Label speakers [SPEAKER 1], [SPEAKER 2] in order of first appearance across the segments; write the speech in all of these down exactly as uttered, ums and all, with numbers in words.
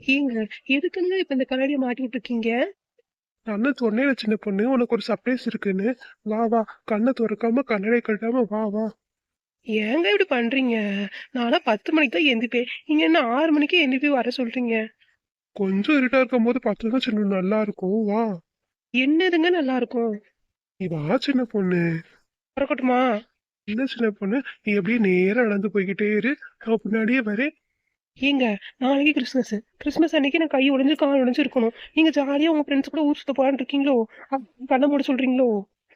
[SPEAKER 1] ஏங்க எதுக்குங்க இப்ப இந்த கண்ணாடியை மாட்டி விட்டுருக்கீங்க?
[SPEAKER 2] நான் தான் சொன்னேன்ல சின்ன பொண்ணு, உனக்கு ஒரு சர்ப்ரைஸ் இருக்குன்னு. வா வா, கண்ணை திறக்காம கண்ணடை கட்டாம வா வா.
[SPEAKER 1] ஏங்க இப்படி பண்றீங்க? நானா பத்து மணிக்கு தான் எந்திரிப்பேன். நீங்க என்ன ஆறு மணிக்கே எந்திரிப்பி வர சொல்றீங்க?
[SPEAKER 2] கொஞ்சம் இருட்டா இருக்கும் போது பார்த்தா தான் சின்ன நல்லா இருக்கும். வா.
[SPEAKER 1] என்னதுங்க நல்லா இருக்கும்?
[SPEAKER 2] நீ வா சின்ன பொண்ணு.
[SPEAKER 1] வரக்கட்டுமா?
[SPEAKER 2] என்ன சின்ன பொண்ணு, நீ அப்படியே நேரா நடந்து போய்கிட்டே இரு, நான் பின்னாடியே வரேன்.
[SPEAKER 1] ஏங்க நாளைக்கு கிறிஸ்மஸ். கிறிஸ்மஸ் அன்னைக்கு நான் கை உடைஞ்சு கால் உடைஞ்சு இருக்கணும். நீங்க ஜாலியா உங்க ஃப்ரெண்ட்ஸ் கூட ஊர் சுத்த போலான்னு இருக்கீங்களோ? அப்ப கண்ணை மூட சொல்றீங்களோ?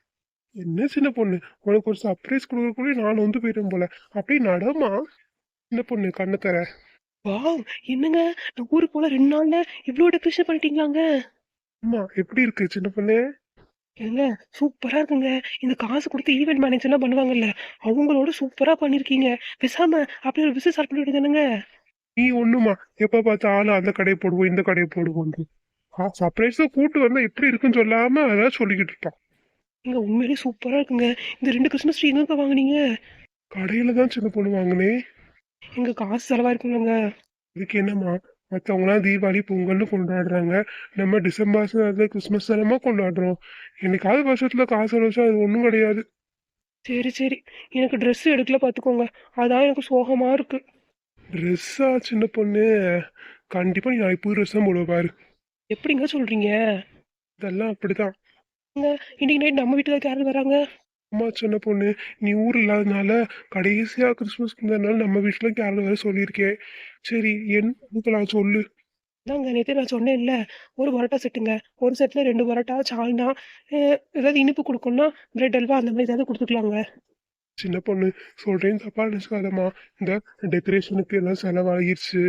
[SPEAKER 2] என்ன சின்ன பொண்ணு, உனக்கு ஒரு சர்ப்ரைஸ் கொடுக்கறதுக்குள்ளே நான் வந்து போயிட்டேன் போல. அப்படியே நடமா சின்ன பொண்ணு, கண்ணை தர.
[SPEAKER 1] வாவ்! என்னங்க நான் ஊருக்கு போல ரெண்டு நாள்ல இவ்வளோ டெக்கரேஷன் பண்ணிட்டீங்களாங்க?
[SPEAKER 2] அம்மா எப்படி இருக்கு சின்ன பொண்ணு?
[SPEAKER 1] ஏங்க சூப்பரா இருக்குங்க. இந்த காசு கொடுத்து ஈவென்ட் மேனேஜர்லாம் பண்ணுவாங்கல்ல, அவங்களோட சூப்பரா பண்ணிருக்கீங்க. பேசாம அப்படி ஒரு பிசினஸ் ஸ்டார்ட் பண்ணி விடுதானுங்க.
[SPEAKER 2] நீ ஒண்ணுமா, எப்ப பார்த்தாலும் அந்த கடையை போடுவோம் இந்த கடையை போடுவோம். சர்ப்ரைஸா கூட்டு வந்தா எப்படி இருக்குன்னு சொல்லாம அதான் சொல்லிக்கிட்டு இருப்பான்.
[SPEAKER 1] இங்க உண்மையிலேயே சூப்பரா இருக்குங்க. இந்த ரெண்டு கிறிஸ்மஸ் ட்ரீ எங்க வாங்குனீங்க?
[SPEAKER 2] கடையில தான் சின்ன பொண்ணு வாங்கினேன்.
[SPEAKER 1] எங்க காசு செலவா இருக்குங்க.
[SPEAKER 2] இதுக்கு என்னம்மா, மற்றவங்களாம் தீபாவளி பொங்கல்னு கொண்டாடுறாங்க, நம்ம டிசம்பர் கிறிஸ்மஸ் தானமா கொண்டாடுறோம். என்னைக்காவது வருஷத்துல காசு வச்சா அது ஒன்றும் கிடையாது.
[SPEAKER 1] சரி சரி, எனக்கு ட்ரெஸ் எடுக்கல பாத்துக்கோங்க. அதான் எனக்கு சோகமா இருக்கு.
[SPEAKER 2] ட்ரெஸ்ஸா சின்ன பொண்ணு? கண்டிப்பா நீ நாளைக்கு புது ட்ரெஸ் தான் போடுவ பாரு.
[SPEAKER 1] எப்படிங்க சொல்றீங்க?
[SPEAKER 2] இதெல்லாம் அப்படிதான்.
[SPEAKER 1] இன்னைக்கு நைட் நம்ம வீட்டுக்கு யாரும் வராங்க?
[SPEAKER 2] அம்மா சின்ன பொண்ணு, நீ ஊர் இல்லாதனால கடைசியா கிறிஸ்மஸ்க்கு முந்தினால நம்ம வீட்டுல கேரளா வர சொல்லியிருக்கேன். சரி என்ன சொல்லு.
[SPEAKER 1] அதாங்க நேற்று நான் சொன்னேன்ல, ஒரு பரோட்டா செட்டுங்க. ஒரு செட்டில் ரெண்டு பரோட்டா, சால்னா, ஏதாவது இனிப்பு கொடுக்கணும்னா பிரெட் அல்வா அந்த மாதிரி ஏதாவது கொடுத்துக்கலாங்க.
[SPEAKER 2] சின்ன பொண்ணு சொல்றேன், தப்பா நினைச்சுக்காதம்மா. இந்த டெக்கரேஷனுக்கு எல்லாம் செலவாகிருச்சு.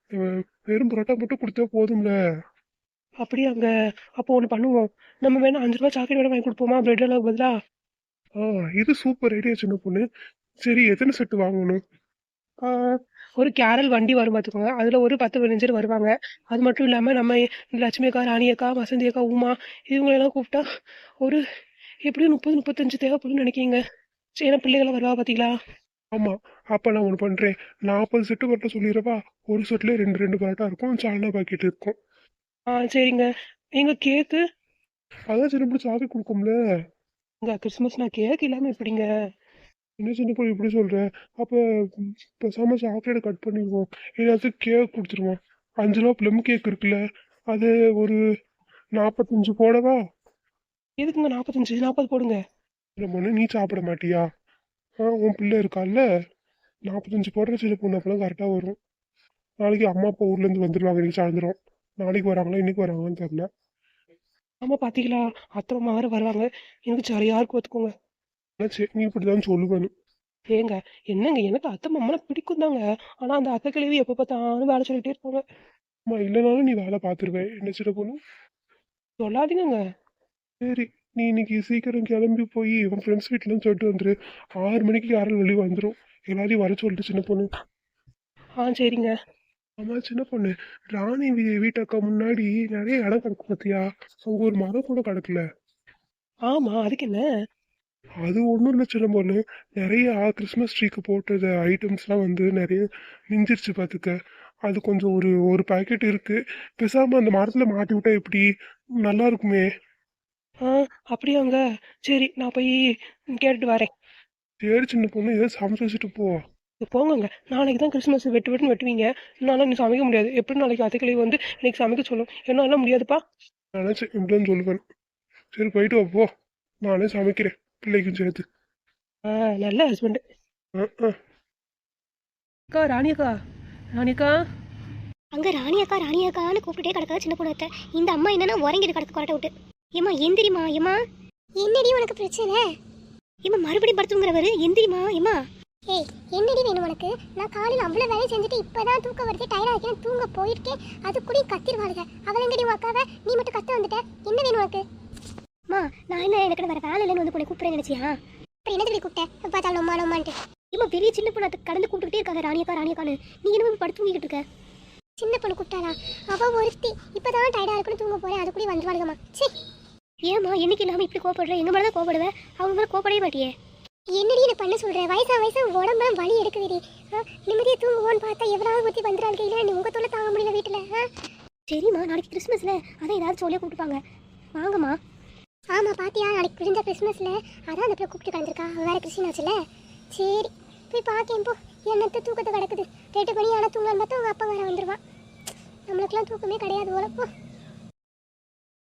[SPEAKER 2] வெறும் பரோட்டா மட்டும் கொடுத்தா போதும்ல.
[SPEAKER 1] அப்படியாங்க? அப்போ ஒன்று பண்ணுவோம். நம்ம வேணா அஞ்சு ரூபா சாக்லேட் வேணா வாங்கி கொடுப்போமா பிரெட் அல்வா பதிலா?
[SPEAKER 2] ஆ, இது சூப்பர் ஐடியா சின்ன பொண்ணு. சரி எத்தனை செட்டு வாங்கணும்?
[SPEAKER 1] ஒரு கேரல் வண்டி வரும் பார்த்துக்கோங்க. அதில் ஒரு பத்து பதினஞ்சு பேர் வருவாங்க. அது மட்டும் இல்லாமல் நம்ம லட்சுமி அக்கா, ராணி அக்கா, வசந்தி அக்கா, உமா இவங்களெல்லாம் கூப்பிட்டா ஒரு எப்படியும் முப்பது முப்பத்தஞ்சு தேவைப்படும்னு நினைக்கிங்க. சரி, ஏன்னா பிள்ளைகளாம் வருவா பார்த்தீங்களா?
[SPEAKER 2] ஆமா, அப்ப நான் ஒன்று பண்றேன். நாற்பது செட்டு பரோட்டா சொல்லிடுறப்பா. ஒரு செட்ல ரெண்டு ரெண்டு பரோட்டா இருக்கும், சால்னா பாக்கெட் இருக்கும்.
[SPEAKER 1] ஆ சரிங்க. எங்க கேக்கு?
[SPEAKER 2] அதான் சின்ன பிள்ளை சாக்லேட் கொடுக்கும்ல.
[SPEAKER 1] இங்க கிறிஸ்மஸ் நான் கேக் இல்லாமல் எப்படிங்க?
[SPEAKER 2] என்ன சின்ன பொண்ணு இப்படி சொல்ற? அப்ப பேசாம சாக்லேட் கட் பண்ணிடுவோம், ஏதாச்சும் கேக் கொடுத்துருவோம். அஞ்சு ரூபா ப்ளம் கேக் இருக்குல்ல, அது ஒரு நாற்பத்தஞ்சு போடவா?
[SPEAKER 1] எதுக்குங்க நாற்பத்தஞ்சு? நாற்பது போடுங்க.
[SPEAKER 2] சின்ன பொண்ணு, நீ சாப்பிட மாட்டியா? ஆ, உன் பிள்ளை இருக்கால்ல, நாற்பத்தஞ்சு போடுற சின்ன பொண்ணு, அப்பெல்லாம் கரெக்டாக வரும். நாளைக்கு அம்மா அப்பா ஊர்லேருந்து வந்துடுவாங்க இன்னைக்கு சாயந்தரம். நாளைக்கு வராங்களா இன்னைக்கு வராங்களான்னு தெரியல.
[SPEAKER 1] ஆமா பார்த்தீங்களா, அத்தை அம்மா வேறு வருவாங்க. எனக்கு சரியா இருக்கு பார்த்துக்கோங்க.
[SPEAKER 2] ஆனால் சரி, நீ இப்படி தான் சொல்லுவேணும்.
[SPEAKER 1] ஏங்க என்னங்க, எனக்கு அத்தை மாமெல்லாம் பிடிக்கும் தாங்க. ஆனால் அந்த அத்தை கிழவி எப்போ பார்த்தாலும் வேலை சொல்லிட்டே இருப்பாங்க.
[SPEAKER 2] அம்மா இல்லைனாலும் நீ வேலை பார்த்துருவேன் என்ன சின்ன பொண்ணு.
[SPEAKER 1] சொல்லாதீங்க.
[SPEAKER 2] சரி, நீ இன்னைக்கு சீக்கிரம் கிளம்பி போய் உன் ஃப்ரெண்ட்ஸ் வீட்டிலன்னு சொல்லிட்டு வந்துரு. ஆறு மணிக்கு யாரும் வெளியே வந்துடும். எல்லாரையும் வர சொல்லிட்டு சின்ன பொண்ணு.
[SPEAKER 1] ஆ சரிங்க.
[SPEAKER 2] ஆமா சின்ன பொண்ணு, ராணி வீ- வீட்டக்கா முன்னாடி நிறைய இடம் கிடக்கு பார்த்தியா? அங்கே ஒரு மரம் கூட கிடக்கல.
[SPEAKER 1] ஆமா, அதுக்கு என்ன?
[SPEAKER 2] அது ஒன்றும் இல்லை சின்ன பொண்ணு, நிறைய கிறிஸ்மஸ் ட்ரீக்கு போட்டது ஐட்டம்ஸ்லாம் வந்து நிறைய மிஞ்சிருச்சு பார்த்துக்க. அது கொஞ்சம் ஒரு ஒரு பாக்கெட் இருக்கு. பேசாம அந்த மரத்துல மாட்டி விட்டா எப்படி? நல்லா இருக்குமே.
[SPEAKER 1] ஆ அப்படியாங்க? சரி, நான் போய் கேட்டுட்டு வரேன்.
[SPEAKER 2] சரி சின்ன பொண்ணு, ஏதோ சமைச்சு வச்சுட்டு போ.
[SPEAKER 1] இது போங்கங்க. நாளைக்கு தான் கிறிஸ்மஸ், வெட்டு வெட்டுன்னு வெட்டுவீங்க. என்னால் இன்னும் சமைக்க முடியாது. எப்படி நாளைக்கு அத்தைக்கிளி வந்து இன்னைக்கு சமைக்க சொல்லும்? என்னால முடியாதுப்பா.
[SPEAKER 2] நினச்சேன் இப்படின்னு சொல்லுவேன். சரி போயிட்டு வா போ, நானே சமைக்கிறேன் பிள்ளைக்கும் சேர்த்து.
[SPEAKER 1] ஆ நல்ல ஹஸ்பண்ட்.
[SPEAKER 2] ஆ ஆ.
[SPEAKER 1] அக்கா, ராணி அக்கா, ராணி அக்கா.
[SPEAKER 3] அங்க ராணி அக்கா ராணி அக்கான்னு கூப்பிட்டுட்டே கிடக்காத சின்ன பொண்ணு. இந்த அம்மா என்னன்னா உறங்கிட்டு கிடக்கு கொரட்டை விட்டு. ஏமா எந்திரிமா ஏமா. என்னடி உனக்கு பிரச்சனை? ஏமா மறுபடியும் படுத்துங்கிறவரு எந்திரிமா ஏமா. ஏய் என்னடி வேணும் உனக்கு? நான் காலையில் அவ்வளோ வேலையை செஞ்சுட்டு இப்போதான் தூக்க வருது, டயர்டாக இருக்கேன், தூங்க போயிருக்கேன். அது கூட கத்திருவாளுங்க. அவள் எங்கடி உக்காவ, நீ மட்டும் கத்த வந்துட்ட. என்ன வேணும் உனக்கு? அம்மா நான் என்ன எனக்கு வேற வேலை இல்லைன்னு வந்து உன்னை கூப்பிட்றேன் நினைச்சியா? அப்புறம் என்ன சொல்லி கூப்பிட்டேன்? பார்த்தாலும் அம்மா அம்மான்ட்டு. ஏமா பெரிய சின்ன பொண்ணு அதை கடந்து கூப்பிட்டுட்டே இருக்காங்க ராணியக்கா ராணியக்கான்னு. நீ என்ன படுத்து தூங்கிட்டு இருக்க? சின்ன பொண்ணு கூப்பிட்டாளா? அவள் ஒருத்தி இப்போதான் டயர்டாக இருக்குன்னு தூங்க போகிறேன், அது கூட வந்துருவாளுங்கம்மா. சரி ஏம்மா என்னைக்கு இல்லாமல் இப்படி கோப்படுறேன்? எங்கள் மேலே தான் கோப்படுவேன், அவங்க மேலே கோப்படவே மாட்டியே. என்னடி என்ன பண்ண சொல்கிறேன்? வயசா வயசா உடம்புலாம் வலி எடுக்குதுடி. நிம்மதியாக தூங்குவோன்னு பார்த்தா எவ்வளோ ஊற்றி வந்துடாங்க. இல்லை நீ உங்கள் தொல்லை தாங்க முடியல வீட்டில். சரிம்மா நாளைக்கு கிறிஸ்மஸ்ல அதான் ஏதாவது சொல்லியே கூப்பிட்டுப்பாங்க. வாங்கம்மா. ஆமாம் பாத்தியா, நாளைக்கு விழுந்த கிறிஸ்மஸில் அதான் அந்த பிள்ளை கூப்பிட்டு கலந்துருக்கா. வேற கிறிஸ்டின் ஆச்சுல. சரி போய் பார்க்கேன் போ. என்னத்த தூக்கத்தை கிடக்குது. ரெண்டு மணி ஆனால் தூங்கலான்னு பார்த்தா உங்கள் அப்பா வேற வந்துடுவான். நம்மளுக்கெல்லாம் தூக்கமே கிடையாது போல போ.